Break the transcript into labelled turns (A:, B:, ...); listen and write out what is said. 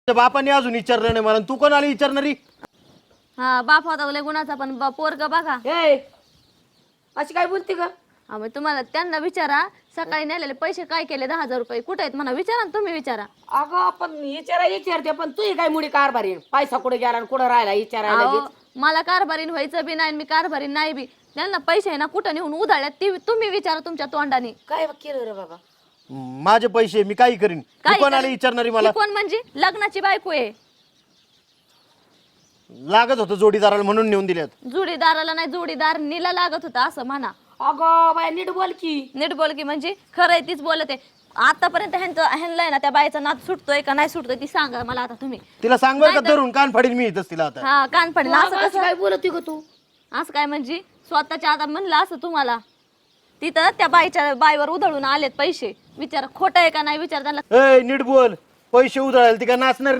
A: बापाने अजून विचारलं नाही मला, तू कोणाला विचारणारी?
B: हा बाप होता लय गुणाचा, पण पोरग बघा.
C: ए अशी काय बोलते का?
B: मग तुम्हाला त्यांना विचारा, सकाळी नेलेले पैसे काय केले 10,000 रुपये कुठे आहेत म्हणा, विचारा ना तुम्ही, विचारा.
C: अगं आपण विचारते, पण तू काय मुडी कारभारी, पैसा कुठे गेला आणि कुठं राहिला विचारायला
B: अहो,
C: लगेच.
B: मला कारभारीन व्हायचं बी नाही, मी कारभारीन नाही बी. त्यांना पैसे आहे ना कुठं नेऊन उधाळ्यात ती तुम्ही विचारा तुमच्या तोंडाने.
C: काय केलं रे बाबा?
A: माझे पैसे मी काही करीन, तू कोणाला विचारणारी मला?
B: ही कोण म्हणजे लग्नाची बायको आहे.
A: लागत होतं जोडीदाराला म्हणून नेऊन दिल्यात.
B: जोडीदाराला नाही, जोडीदार नीला लागत होता असं म्हणा.
C: अगं बाय नीट बोल की.
B: नीट बोल की म्हणजे खरंय तीच बोलते. आतापर्यंत ह्यांना ना त्या बाईचा नाद सुटतोय का नाही सुटतोय ती सांगा मला आता तुम्ही.
A: तिला सांग बरं का, धरून कान फाडीन मी इथंच तिला आता.
B: हा कान पडेल असं
C: अशी
B: कसं?
C: काय बोलते ग तू?
B: असं काय म्हणजे स्वतःच्या आता म्हणलं असं तुम्हाला. तिथं त्या बाईवर उधळून आलेत पैसे, विचार खोटं आहे का नाही विचार त्यांना.
A: ए नीट बोल, पैसे उधळायला ती का नाचणार